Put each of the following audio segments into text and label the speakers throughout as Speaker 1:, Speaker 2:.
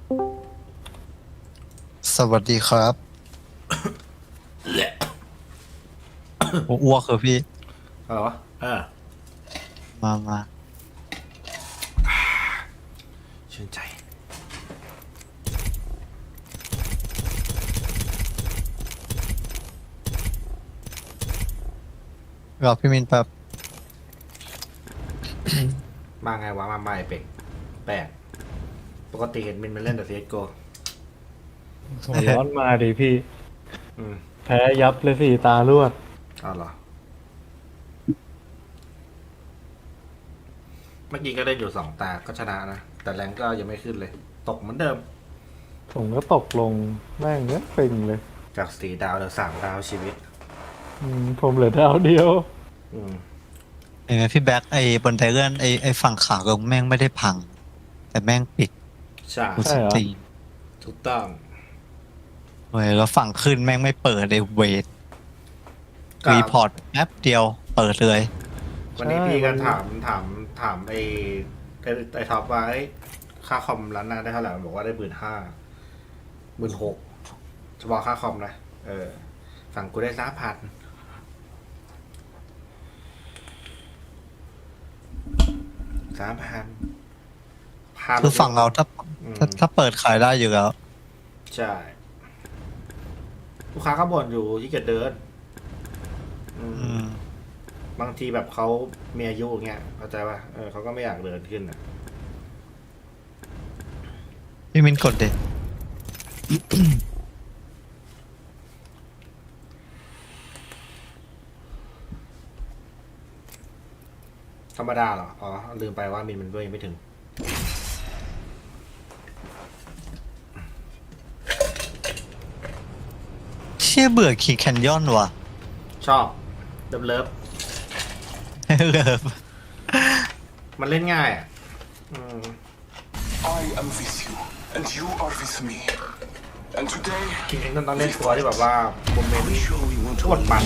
Speaker 1: สวัสดีครับผมอ้วกเหรอพี่
Speaker 2: อะไรวะ
Speaker 1: มา
Speaker 2: ชื่นใจ
Speaker 1: รอพี่มินแป๊บ
Speaker 2: มาไงวะมาใหม่เป็กแปลกปกติเห็นมินมันเล่นแต่ CSGO
Speaker 3: หัวร้อนมาดิพี่
Speaker 2: อืม
Speaker 3: แพ้ยับเลยสี่ตารวด
Speaker 2: เอาเหรอเมื่อกี้ก็เล่นอยู่2 ตาก็ชนะนะ แต่แรงก็ยังไม่ขึ้นเลย ตกเหมือนเดิม
Speaker 3: ผมก็ตกลงแม่งเนี้ยปิงเลย
Speaker 2: จาก4 ดาวเหลือ3 ดาวชีวิต
Speaker 3: ผมเหลือดาวเดียว
Speaker 2: อืม
Speaker 1: เห็นไหมพี่แบ็คไอ้บนไดเลื่อนไอ้ฝั่งขาลงแม่งไม่ได้พัง แต่แม่งปิด
Speaker 2: ใช่
Speaker 1: กู
Speaker 3: ใช่
Speaker 1: ส
Speaker 3: เหรอ
Speaker 1: ตรีม
Speaker 2: ถูกต้อง
Speaker 1: เว้ยแล้วฝั่งขึ้นแม่งไม่เปิดไอ้เวท
Speaker 2: ก็
Speaker 1: รีพอร์ตแป๊บเดียวเปิดเลย
Speaker 2: วันนี้พี่ก็ถามไอ้ท็อปว่าเอ้ยค่าคอมร้านหน้าได้เท่าไหร่มันบอกว่าได้15,000 16,000เฉพาะค่าคอมนะฝั่งกูได้3,000
Speaker 1: คือฝั่งเราถ้าเปิดขายได้อยู่แล้ว
Speaker 2: ใช่ลูกค้าก็บ่นอยู่ที่เกียจเดิน
Speaker 1: อืม
Speaker 2: บางทีแบบเขามีอายุอย่างเงี้ยเข้าใจป่ะเขาก็ไม่อยากเดินขึ้นอ่ะ
Speaker 1: พี่มินกดเด็ด
Speaker 2: ธรรมดาเหรอ อ๋อ ลืมไปว่ามินมันด้วยยังไม่ถึง
Speaker 1: เชี่ยเบื่อขี่แคนยอนว่ะ
Speaker 2: ชอบเลิฟ
Speaker 1: เลิฟ
Speaker 2: มันเล่นง่ายอ่ะ
Speaker 4: I am with you, and you are with me. And today,
Speaker 2: จริงๆต้องเล่นตัวที่แบบว่าโมเมนต์
Speaker 4: sure we want
Speaker 2: โคตรมัน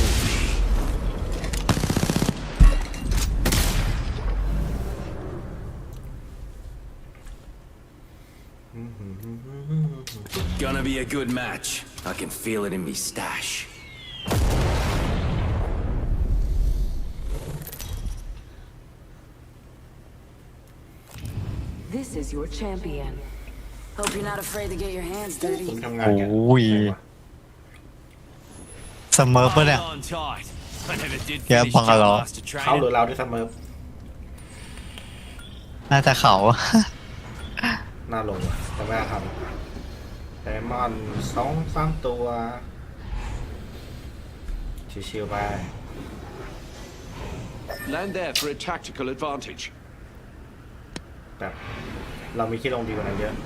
Speaker 5: Gonna be a good match. I can feel it in me stash.
Speaker 6: This is your champion. Hope you're not afraid to get your hands
Speaker 2: คุ
Speaker 6: dirty.
Speaker 2: ณทำงานกัน
Speaker 1: โอ้ย เสมอปะเนี่ย
Speaker 5: Hold on tight. I never did
Speaker 1: Yeah,
Speaker 5: finish
Speaker 1: bang
Speaker 5: gym
Speaker 1: along.
Speaker 5: master
Speaker 2: เขาหรือ
Speaker 5: training.
Speaker 2: เราที่เสมอ
Speaker 1: น่าจะเขา
Speaker 2: หน้าลงว่ะแต่ไม่น่าทำแต่มอน2-3 ตัว ชิวๆไป
Speaker 7: Land there for a tactical advantage.
Speaker 2: แบบเรามีที่ลงดีกว่านั้นเยอะ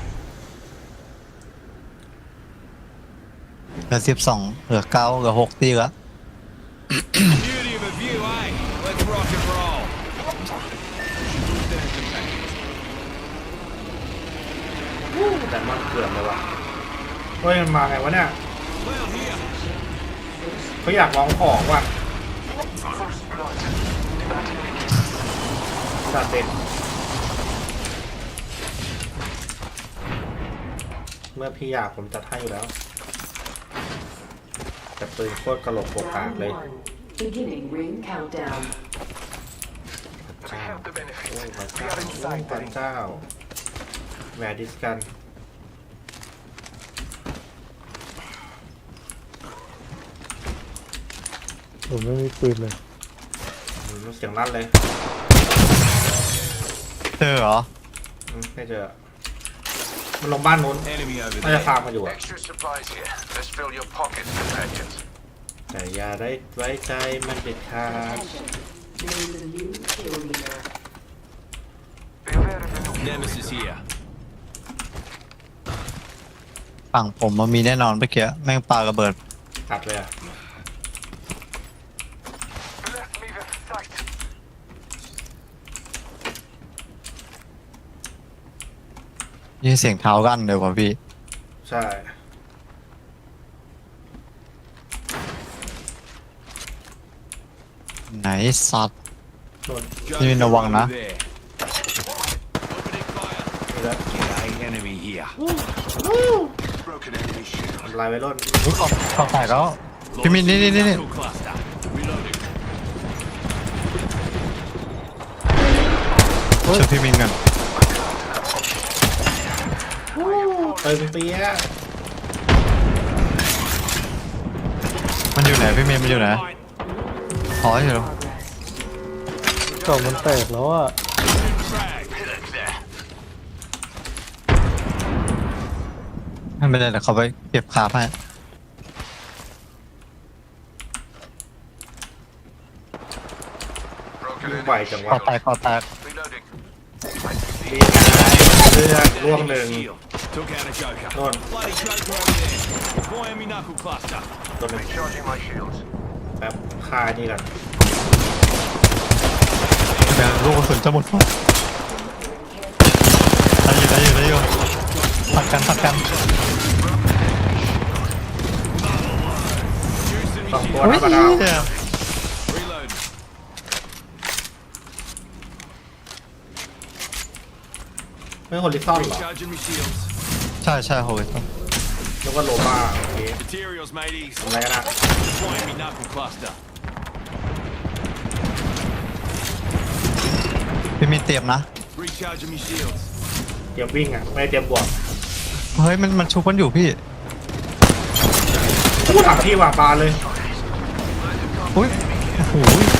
Speaker 1: เหลือ12เหลือ9เหลือ6ตีแล้ว
Speaker 5: Beauty of a view, eh? Let's rock and roll.
Speaker 2: แต่มันเกือบเลยว่ะเฮ้ยมันมาไงวะเนี่ย
Speaker 5: Well, here.
Speaker 2: เขาอยากลองของว่ะ
Speaker 4: first blood.
Speaker 2: จัดเต็มเมื่อพี่อยากผมจัดให้อยู่แล้ว แต่ปืนโคตรกระโหลกโปกกาก
Speaker 6: Round
Speaker 2: เลย
Speaker 6: one. Beginning ring countdown.
Speaker 2: พระเจ้า
Speaker 4: have the benefit.
Speaker 2: โอ้พระ
Speaker 4: We
Speaker 2: เจ้า
Speaker 4: are
Speaker 2: โอ้
Speaker 4: inside
Speaker 2: พระ
Speaker 4: the ring.
Speaker 2: เจ้าแหวดิสกัน
Speaker 3: ผมไม่มีปืนเลย
Speaker 2: เสียงลั่นเลย
Speaker 1: เจอเหรอ
Speaker 2: ไม่เจอ มันลงบ้านนู้น
Speaker 5: Enemy over
Speaker 2: น่าจะ
Speaker 5: there.
Speaker 2: ฟาร์มมาอยู่อะ
Speaker 4: Extra supplies here. Let's fill your pockets, companions.
Speaker 2: แต่อย่าได้ไว้ใจมันเด็ดขาด
Speaker 6: Attention. Name the new kill leader.
Speaker 4: Beware of the new
Speaker 5: Nemesis here.
Speaker 1: ฝั่งผมมันมีแน่นอนเมื่อกี้แม่งปาระเบิด
Speaker 2: ตัดเลยอะ
Speaker 4: Let me the sight.
Speaker 1: ยินเสียงเท้ารั่นเลยว่ะพี่
Speaker 2: ใช่
Speaker 1: ไหนสัตว์
Speaker 2: นู่น
Speaker 1: นี่ระวังนะ
Speaker 5: Over there. Opening fire.
Speaker 2: นี่ด้วย
Speaker 5: G'day, enemy here.
Speaker 4: Broken enemy shield.
Speaker 2: ทำลายไว้ร่น
Speaker 1: อุ๊ยขอบแตกแล้วพี่มินนี่
Speaker 5: Knuckle cluster. Reloading.
Speaker 1: ช่วยพี่มินกัน
Speaker 2: เปียะ
Speaker 1: มันอยู่ไหนพี่มินมันอยู่ไหนอ๋ออยู่แล้ว
Speaker 3: กล่องมันแตกแล้วอ่ะ
Speaker 1: ไม่เป็นไรเดี๋ยวเขาไปเก็บคาให้
Speaker 4: Broken
Speaker 2: วิ่งไหว
Speaker 4: enemy
Speaker 2: จัง
Speaker 1: ขอ
Speaker 2: วะ
Speaker 1: แตก
Speaker 4: reloading.
Speaker 2: นี่ไงเลือดร่วงหนึ่ง
Speaker 5: Shield. Took out a joker.
Speaker 2: โน่น
Speaker 5: Bloody joker over there. Deploying me knuckle cluster.
Speaker 2: ตัวหนึ่ง
Speaker 4: Recharging my shields.
Speaker 2: แป๊บคานี่กัน
Speaker 1: แบงลูกกระสุนจะหมดได้อยู่ผัดกัน
Speaker 5: Juicing
Speaker 2: สอง
Speaker 5: me
Speaker 2: ตัว
Speaker 5: shield.
Speaker 2: นะปะดาว
Speaker 1: เหี้ย
Speaker 5: Reloading.
Speaker 2: ไม่คนลิซ่อนเหรอ
Speaker 5: Recharging me shields.
Speaker 1: ใช่โหย
Speaker 2: นึกว่าโลมาโอเค
Speaker 5: Materials, mateys.
Speaker 2: ทำอะไรกันนะ
Speaker 5: Deploying me knuckle cluster.
Speaker 1: พี่มินเตรียมนะ
Speaker 5: Recharging me shields.
Speaker 2: เตรียมวิ่งอ่ะไม่ได้เตรียมบวก
Speaker 1: เฮ้ยมันชุบกันอยู่พี่
Speaker 2: พูดถามพี่ว่าปลาเลย
Speaker 1: อุ้ยโอ้โห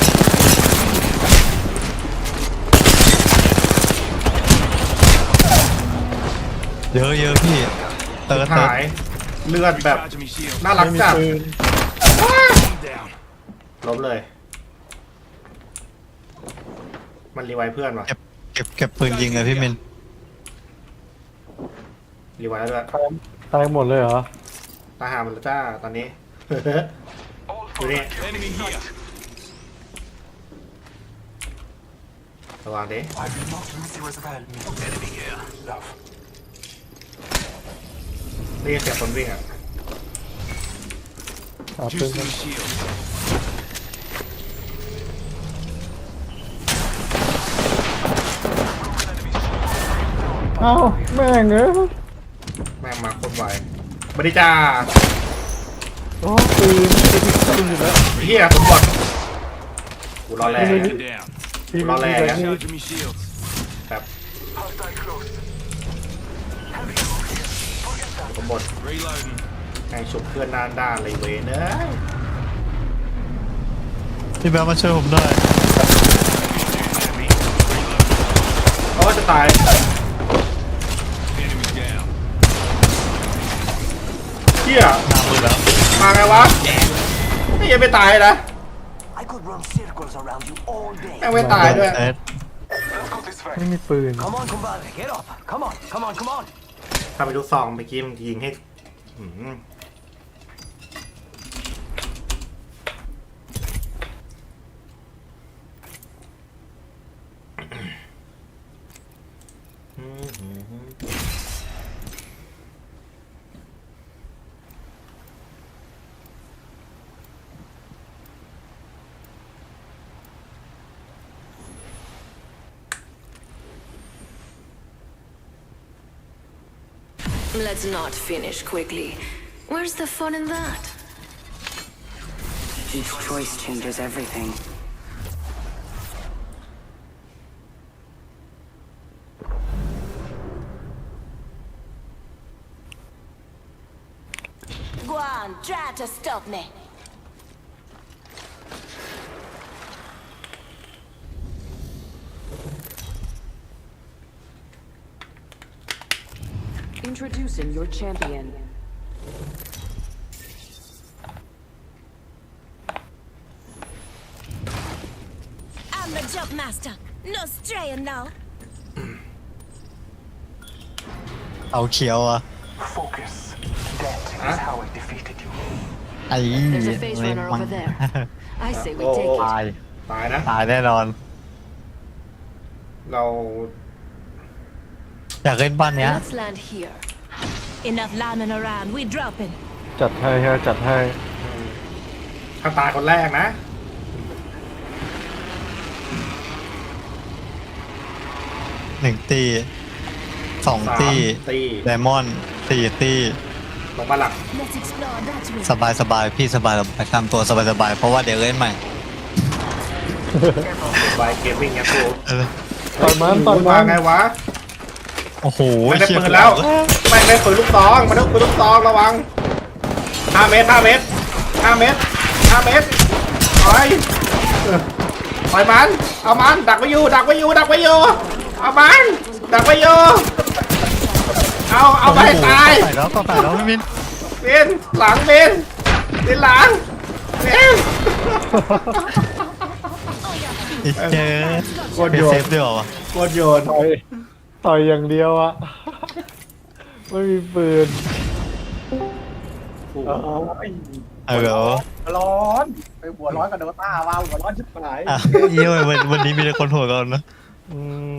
Speaker 1: เยอะพี่เติร์ด
Speaker 2: หายเลือดแบบ
Speaker 5: Recharging me shields.
Speaker 2: น่ารักจัด
Speaker 5: Down.
Speaker 2: ล้มเลย มันรีไวล์เพื่อนวะ
Speaker 1: เก็บปืนยิงเลยพี่มิน
Speaker 2: รีไวล์แล้วด้วย
Speaker 3: ตายหมดเลยเหรอ
Speaker 2: ตาหามันแล้วจ้าตอนนี้ ดูนี่
Speaker 5: Enemy here.
Speaker 2: ระวังดิ
Speaker 4: I will not lose you as well. Enemy here. Love.
Speaker 2: ได้ยินเสียงคนวิ่งอ่ะ
Speaker 3: เอาปืน
Speaker 5: Juicing
Speaker 3: กัน
Speaker 5: me shields.
Speaker 3: เอ้าแม่งเอ้ย
Speaker 2: แม่งมาโคนไวบริจ้า
Speaker 3: โอ้ปืนปืนอยู่แล้ว
Speaker 2: เฮียสมบัติกูรอแรง
Speaker 5: Taken down.
Speaker 3: ปืน
Speaker 2: รอแรงนะ
Speaker 5: Recharging me shields.
Speaker 2: แบบ
Speaker 4: Hostile close.
Speaker 2: สมบัติ
Speaker 5: Reloading.
Speaker 2: แข่งฉุบเพื่อนด้านด้านเลยเว้ยเนอะ
Speaker 1: พี่แบงค์มาช่วยผมหน่อย
Speaker 2: โอ้จะตาย
Speaker 5: Enemy down.
Speaker 2: เฮีย
Speaker 1: น้ำมือแล้ว
Speaker 2: มาไงวะไม่ยังไม่ตายนะ
Speaker 8: I could run circles around you all day.
Speaker 2: แม่งไม่ตายด้วย
Speaker 1: เติร์ด
Speaker 4: Let's go this way.
Speaker 3: ไม่มีปืน
Speaker 8: Come on, compadre, get up. Come on.
Speaker 2: ถ้าไปลูกซองเมื่อกี้มันยิงให้หืม
Speaker 6: Let's not finish quickly. Where's the fun in that?
Speaker 8: Each choice changes everything.
Speaker 6: Go on, try to stop me.
Speaker 9: Introducing your champion.
Speaker 6: I'm the jump master. No straying now.
Speaker 1: เอาเขียวอ่ะ
Speaker 4: Focus. That is how I defeated you.
Speaker 1: ไอ้
Speaker 9: There's a phase runner over there. I say we
Speaker 2: Oh,
Speaker 9: take
Speaker 2: oh.
Speaker 9: it.
Speaker 1: ตาย
Speaker 2: ตายนะ
Speaker 1: ตายแน่นอน
Speaker 2: เรา
Speaker 1: อยากเล่นบ้านเนี้ย
Speaker 9: Let's land here.
Speaker 6: Enough lambing around. We dropping.
Speaker 3: จัดให้ฮะจัดให้
Speaker 2: ถ้าตายคนแรกนะ
Speaker 1: หนึ่งตี 2 ตี
Speaker 2: ตี
Speaker 1: ไดมอนด์4 ตี
Speaker 2: ลงมาหลัก
Speaker 9: Let's explore that way.
Speaker 1: สบายพี่สบายทำตัวสบายเพราะว่าเดี๋ยวเล่นใหม่
Speaker 2: ไวเกมมิ่งเนี่ยกู
Speaker 1: เออ
Speaker 3: ต่อยมันต่อย
Speaker 2: มา
Speaker 3: มัน
Speaker 2: ไงวะ
Speaker 1: โอ้โห
Speaker 2: ไม่ได้
Speaker 1: เชี่ย
Speaker 2: ปืนแล้วไม่ได้ปืนลูกซองมันต้องปืนลูกซองระวัง5 เมตร5 เมตร5 เมตร5 เมตรปล่อยปล่อยมันเอามันดักไว้อยู่ดักไว้อยู่เอามันดักไว้อยู่เอาไปให้ตาย
Speaker 1: ก็ตายแล้วพี่มิน
Speaker 2: เป็นหลังเป็นหลังเป็น
Speaker 1: เจอ
Speaker 3: โคตร
Speaker 1: เป็น
Speaker 3: โย
Speaker 1: เซ
Speaker 3: น
Speaker 1: ฟด้วยเหรอวะ
Speaker 2: โคตรโยน
Speaker 3: ต่อยอย่างเดียวอะไม่มีปืน
Speaker 1: เออเหรอ
Speaker 10: ร้อนไปหัวร้อนกับโดต้าว้าวหัวร้อนชิบหาย
Speaker 1: อ่ะเยี่ยมวันนี้มีแต่คนโหดกันนะ
Speaker 3: อืม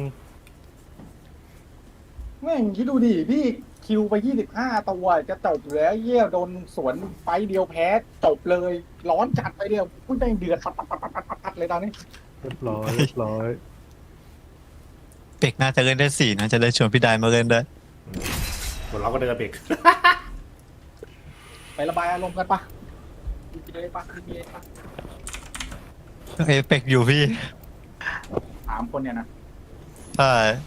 Speaker 10: แม่งคิดดูดิพี่คิวไป25 ตัวจะจบแล้วเยี่ยโดนสวนไฟเดียวแพ้จบเลย ร้อนจัดไปเดียวพุ่งแม่งเดือดปัดเลยตอนนี้
Speaker 3: เรียบร้อย
Speaker 1: เป็กน่าจะเล่นได้4นะจะได้ชวนพี่ไดมาเล่นได้
Speaker 2: หัวเราะก็เดินเบรก
Speaker 10: ไประบายอารมณ์กันปะดีปะ
Speaker 1: เอฟเป็กอยู่พี่
Speaker 10: 3 คนเนี่ยนะ
Speaker 1: ใช่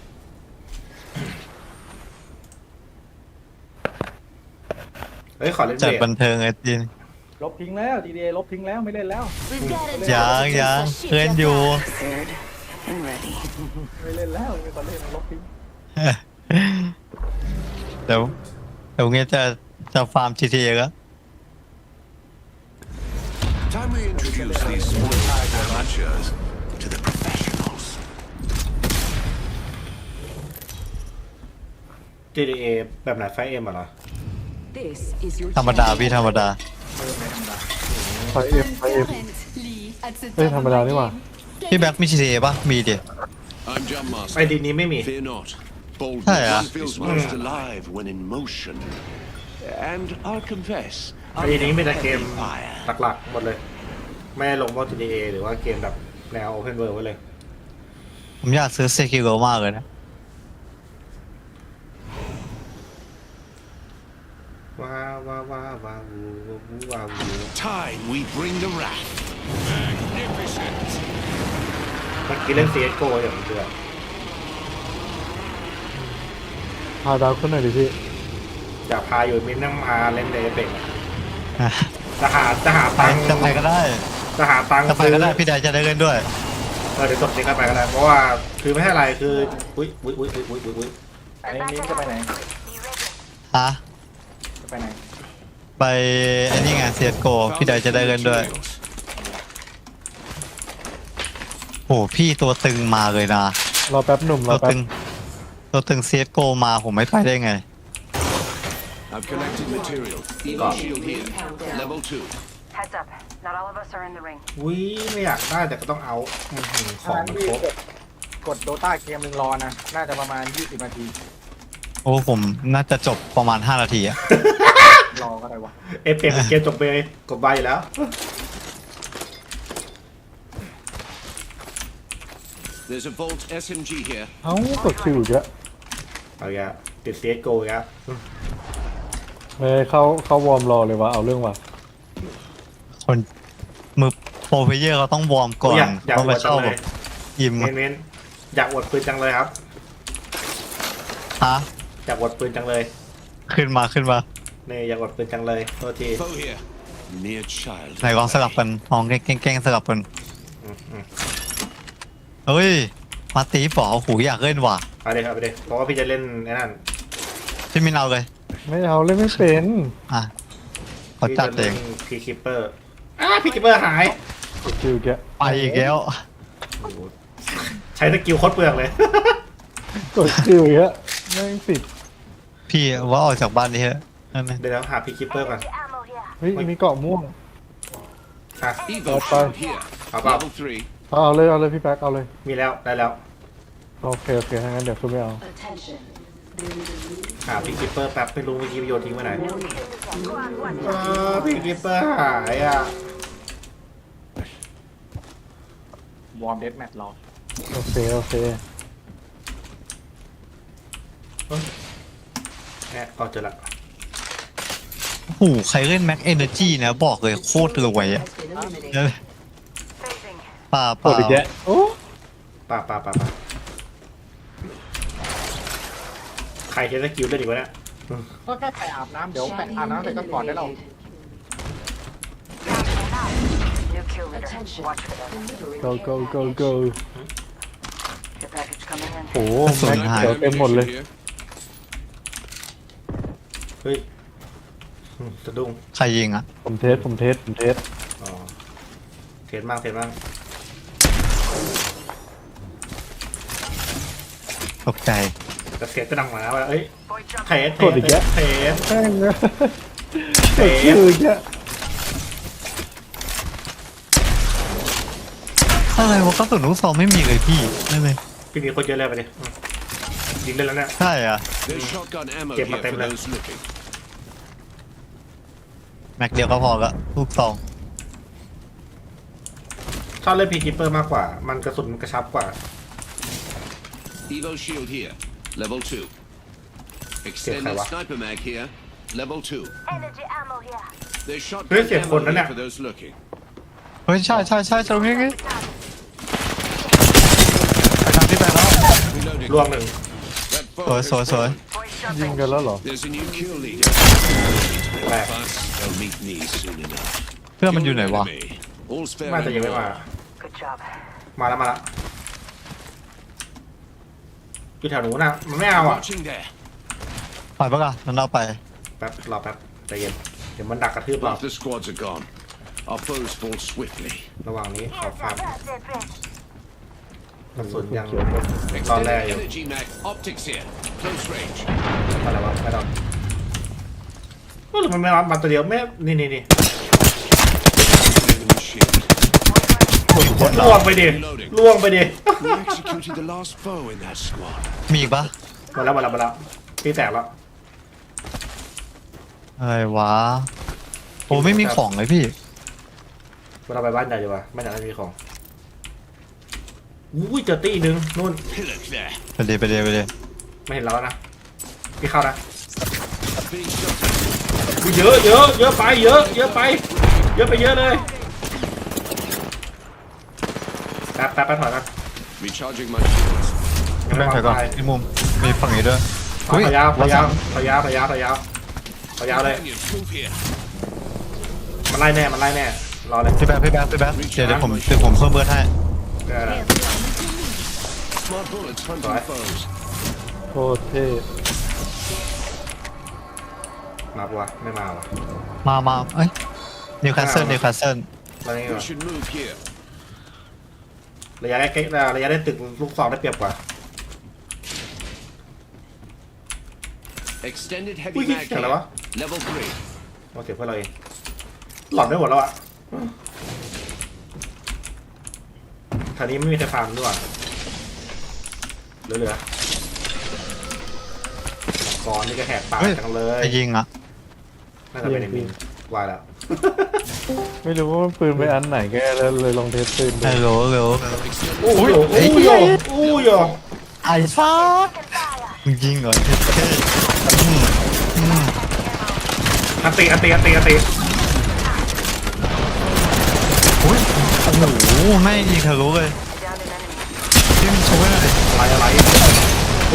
Speaker 2: เฮ้ยขอเล่น
Speaker 1: จัด
Speaker 2: เบรก
Speaker 1: บันเทิงไอ้จีน
Speaker 10: ลบทิ้งแล้วดีลบทิ้งแล้วไม่เล่นแล้ว
Speaker 9: We've got a
Speaker 1: ยังเพื่อนอยู่
Speaker 8: Prepared and ready.
Speaker 10: ไม่เล่นแล้วไม่ต้องเล่นลบทิ้ง
Speaker 1: เดี๋ยวเงี้ยจะฟาร์ม GTA ก็
Speaker 4: Time we introduce these small amateurs to the professionals.
Speaker 2: GTA แบบไหนไฟเอ็มเหรอ
Speaker 9: This is your
Speaker 1: ธรรมดาพี่ธรรมดา
Speaker 3: ไฟเอ็มเฮ้ยธรรมดานี่หว่า
Speaker 1: พี่แบ็คมี GTA ป่ะมีดิ
Speaker 7: I'm Jump
Speaker 2: ไอ
Speaker 7: Master.
Speaker 2: ดีนี้ไม่มี
Speaker 7: Fear not.
Speaker 1: Hey,
Speaker 7: Boldness feels most alive when in motion. And I'll confess,
Speaker 2: ไอดีนี้มีแต่เกมหลักๆหมดเลย ไม่ได้ลงพวก GTA หรือว่าเกมแบบแนว Open World ไว้เลย
Speaker 1: ผมอยากซื้อเซคิโรมากเลยนะ
Speaker 2: ว้าวว้าวว้าวว้าวว้าว
Speaker 4: Time we bring the wrath. Magnificent.
Speaker 2: เมื่อกี้เล่น CSGO อย่างเดือด
Speaker 3: พาดาวขึ้นหน่อยดิพี่
Speaker 2: อยากพาอยู่มินนั่งพาเล่นเดย์เป็กจะหาตังค์
Speaker 1: จะไปก็ได้
Speaker 2: จะหาตังค์
Speaker 1: จะไปก็ได้พี่ไดจะได้เล่นด้วย
Speaker 2: เดี๋ยวจบนี้ก็ไปก็ได้เพราะว่าคือไม่ใช่อะไรคืออุ้ย
Speaker 10: ไอ้มิ้นจะไปไหน
Speaker 1: ฮะ
Speaker 10: จะไปไหน
Speaker 1: ไปไอ้นี่ไง CSGO พี่ไดจะได้เล่นด้วย โหพี่ตัวตึงมาเลยนะ
Speaker 3: รอแป๊บหนุ่มร
Speaker 1: ตั
Speaker 3: อ
Speaker 1: ว
Speaker 3: แป๊
Speaker 1: ตึ
Speaker 3: บ
Speaker 1: งตัวตึง CSGO มาผมไม่ไปได้ไง
Speaker 7: I've collected material. Eagle shield here. Level 2.
Speaker 8: Heads up. Not all of us are in the ring.
Speaker 2: อุ้ยไม่อยากได้แต่ก็ต้องเอาของมันครบ
Speaker 10: กดโดต้าเกมหนึ่งรอนะ น่าจะประมาณ20 นาที
Speaker 1: โอ้ผมน่าจะจบประมาณ5 นาทีอะ
Speaker 10: รอก็ได้วะ
Speaker 2: เอฟเป็นเกมจบไปกดใบอยู่แล้ว
Speaker 7: There's a Volt SMG here.
Speaker 3: เอ้ากดคิวอีกแล้ว
Speaker 2: เอาอย่าติด CSGO อีกแล้ว
Speaker 3: เฮ้ยเข้าวอร์มรอเลยวะเอาเรื่องว่ะ
Speaker 1: คนมือโปรเพลเยอร์เขาต้องวอร์มก่อน
Speaker 2: อยาก
Speaker 1: ต้อง
Speaker 2: อ
Speaker 1: ไป
Speaker 2: วดจั
Speaker 1: เข้าง
Speaker 2: เล
Speaker 1: แบ
Speaker 2: ย
Speaker 1: บยิม
Speaker 2: เน้นอยากอวดปืนจังเลยครับ
Speaker 1: ฮะ
Speaker 2: อยากอวดปืนจังเลย
Speaker 1: ขึ้นมา
Speaker 2: นี่อยากอวดปืนจังเลยโทษที
Speaker 7: Foe here. Mere child.
Speaker 1: ไหนลองสลับกันลองแกล้งสลับกันเฮ้ยมาตีป๋อหูอยากเล่นว่ะ
Speaker 2: ไปเลยครับไปเลยเพราะว่าพี่จะเล่นไอ้นั่น
Speaker 1: พี่มินเอาเลย
Speaker 3: ไม่เอาเล่นไม่เป็น
Speaker 1: อ่ะเขาจัดเอง
Speaker 2: พีคิปเปอร์พีคิปเปอร์หาย
Speaker 3: กดคิวอีกแล้ว
Speaker 1: ไปอีกแล้ว
Speaker 2: ใช้สกิลโคตรเปลืองเลย
Speaker 3: กดคิวอีกแล้วแม่งติด
Speaker 1: พี่ว่าออกจากบ้านนี้เถอะนั่นเอง
Speaker 2: เดี๋ยวหาพีคิปเปอร์ก่อน
Speaker 3: เฮ้ยมีเกาะม่วง
Speaker 2: อ่ะ
Speaker 7: Evo
Speaker 3: Bye.
Speaker 7: shield here.
Speaker 2: How about-
Speaker 7: Level 3.
Speaker 3: เอาเลยพี่แป๊กเอาเลย
Speaker 2: มีแล้วได้แล้ว
Speaker 3: โอเคถ้างั้นเดี๋ยวคือไม่เอา
Speaker 9: attention.
Speaker 2: หาพีคิปเปอร์แป๊บไม่รู้เมื่อกี้โยนทิ้งไว้ไหนพีคิปเปอร์หายอ่ะ
Speaker 10: วอร์มเดสแมทรอ
Speaker 3: โอเค
Speaker 2: แอบก็เจอละ
Speaker 1: โอ้โหใครเล่นแม็กเอเนอร์จีนะบอกเลยโคตรรวยอ่ะ
Speaker 8: Phasing.
Speaker 1: ป่า
Speaker 3: ปวดอีกแยะโอ้
Speaker 2: ป่าใครใช้สกิลเล่นอีกวะเนี่ย
Speaker 10: ก็แค่ไปอาบน้ำเดี๋ยวไปอาบน้ำเสร็จก็ก่อนได้เรา
Speaker 8: New kill leader. Watch for them.
Speaker 3: go go go go
Speaker 8: The package coming in.
Speaker 3: โอ้แม็กเดี๋ยวเต็มหมดเลย
Speaker 7: Here.
Speaker 2: เฮ้ยสะดุ้ง
Speaker 1: ใครยิงอ่ะ
Speaker 3: ผมเทส
Speaker 2: อ๋อเทรดมาก
Speaker 1: ตกใจ
Speaker 2: แต่เสียงก็ดังมาแล้วว่าเอ้ย
Speaker 8: Boy jump.
Speaker 2: เทรด
Speaker 3: กดอีกแยะ
Speaker 2: เทรด
Speaker 3: แม่งเลย
Speaker 2: เทร
Speaker 3: ชื่
Speaker 2: ด
Speaker 3: ออีกแยะ
Speaker 1: อะไรวะกระสุนลูกซองไม่มีเลยพี่นั่นเลย
Speaker 2: พี่มีคนเยอะเลยไปดิยิงได้แล้วเนี่ย
Speaker 1: ใช่อ่ะ
Speaker 7: There's shotgun ammo
Speaker 2: Get
Speaker 7: here
Speaker 2: my
Speaker 7: for
Speaker 2: tablet.
Speaker 7: those looking.
Speaker 1: แม็กเดียวก็พอละลูกซอง
Speaker 2: ชอบเล่นพีคิปเปอร์มากกว่า มันกระสุนมันกระชับกว่า
Speaker 7: Evo shield here. Level 2. Extended sniper mag here. Level 2.
Speaker 8: Energy ammo here.
Speaker 7: There's
Speaker 2: Where's
Speaker 7: shotgun
Speaker 2: your phone,
Speaker 7: ammo here
Speaker 2: Nana?
Speaker 7: for those looking.
Speaker 1: เฮ้ยใช่ตรงนี้ไงไปทางที่ไปแล้ว
Speaker 7: Reloading.
Speaker 2: ลวงหนึ่ง
Speaker 7: That
Speaker 1: สวย
Speaker 7: fog has
Speaker 1: สวย
Speaker 7: fallen.
Speaker 3: ยิงกันแล้วเหรอ
Speaker 7: There's a new kill leader.
Speaker 2: Where?
Speaker 7: Fast, they'll meet me soon enough.
Speaker 1: เพื่อนมันอยู่ไหนวะ
Speaker 7: Enemy. All spare
Speaker 2: น่าจะยังไม่มา
Speaker 8: Good job.
Speaker 2: มาแล้วอยู่แถวหนูนะมันไม่เอาอ่ะ
Speaker 7: Watching there.
Speaker 1: ไปปะกันนั่นเอาไป
Speaker 2: แป๊บรอแป๊บใจเย็นเดี๋ยวมันดักกระทืบเรา
Speaker 7: Half the squads are gone. Our foes fall swiftly.
Speaker 2: ระหว่างนี้ขอฟาร์ม
Speaker 8: That's it, bitch.
Speaker 2: กระสุนยังตอนแร
Speaker 7: Extended
Speaker 2: กอยู่
Speaker 7: energy mag. Optics here. Close range.
Speaker 2: อะไรวะไม่ต้องหรือมันไม่รับมาตัวเดียวไม่นี่
Speaker 7: Enemy shield.
Speaker 2: ล่วงไปดิล่วงไปดิ
Speaker 7: We executed the last foe in that squad.
Speaker 1: มีอีกปะ
Speaker 2: มาแล้วตีแตกแล้ว
Speaker 1: อะไรวะโอ้ไม่มีของเลยพี่
Speaker 2: เราไปบ้านใหญ่ดีกว่าบ้านใหญ่ไม่มีของอุ้ยเจอตีหนึ่งนู่น
Speaker 7: Pillock there.
Speaker 1: ไปเลย
Speaker 2: ไม่เห็นเราแล้วนะพี่เข้านะ
Speaker 7: Being shot.
Speaker 2: อุ้ยเยอะไปเยอะไปเยอะเลยแป๊บถอยมา
Speaker 7: Recharging my shields.
Speaker 2: ยัง
Speaker 1: แม่
Speaker 2: ไม่
Speaker 1: ง
Speaker 2: วาง
Speaker 1: ถอยก่อน
Speaker 2: ไฟ
Speaker 1: ที่มุมมีฝั่งนี้ด้วย
Speaker 2: ถอยยาวเลย
Speaker 7: Companions, move here.
Speaker 2: มันไล่แน่รอเลย
Speaker 1: พี่แบ๊กเดี๋ยวผมเพิ่มเบิร์ดให้
Speaker 7: Smart bullets hunting
Speaker 2: Right.
Speaker 7: foes.
Speaker 3: โคตรเท่
Speaker 2: มาปะวะไม่มาวะ
Speaker 1: มาเอ้ยนิวคาสเซิล
Speaker 2: ตอนนี้
Speaker 7: We should move here.
Speaker 2: ระยะได้ตึกลูกซองได้เปรียบกว่า
Speaker 7: Extended heavy
Speaker 2: Ui,
Speaker 7: mag
Speaker 2: cái
Speaker 7: here.
Speaker 2: đó.
Speaker 7: Level 3.
Speaker 2: โอเคเพื่อนเราเองหลอนได้หมดแล้วอ่ะแถวนี้ไม่มีใครฟาร์มด้วยเหลือมังกรนี่ก็แหกปาก
Speaker 1: เฮ้ย
Speaker 2: จังเลย
Speaker 1: ไอ้ยิงอ่ะ
Speaker 2: น่าจะเป็นไอ้มินวายแล้ว
Speaker 3: ไม่รู้ว่ามันปืนไปอันไหนแกแล้วเลยลองเทสปืนดู
Speaker 1: ฮัลโหล
Speaker 2: โอ้ยโอ้ย
Speaker 1: ไอ้ฟ้ามึงยิงเหรอเท่
Speaker 2: อันตี
Speaker 1: อุ้ยโอ้โหไม่ยิงทะลุเลย
Speaker 8: Down an enemy.
Speaker 1: ที่มันช่วยอะไร
Speaker 2: อะไรโอ้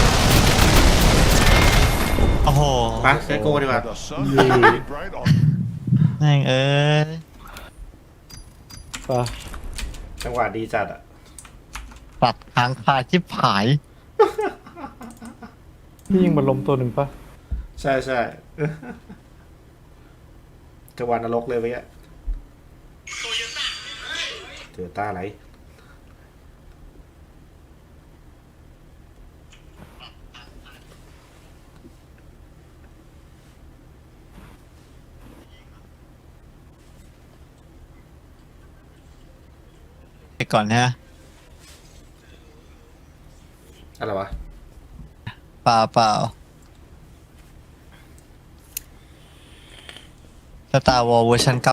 Speaker 1: โอ้โห
Speaker 2: ไปเซโก้ดีกว่า
Speaker 4: The sun is shining bright on
Speaker 1: แม่งเอ้ย
Speaker 3: ป่ะ
Speaker 2: จังหวะดีจัดอ่ะ
Speaker 1: ปัดทางคาชิบหาย
Speaker 3: พี่ยิงมันล้มตัวหนึ่งป่ะ
Speaker 2: ใช่จังหวะนรกเลยเว้ยโตโยต้าอะไร
Speaker 1: ไปก่อนฮะ
Speaker 2: อะไรวะ
Speaker 1: เปล่าสตาร์วอลเวอร์ชัน9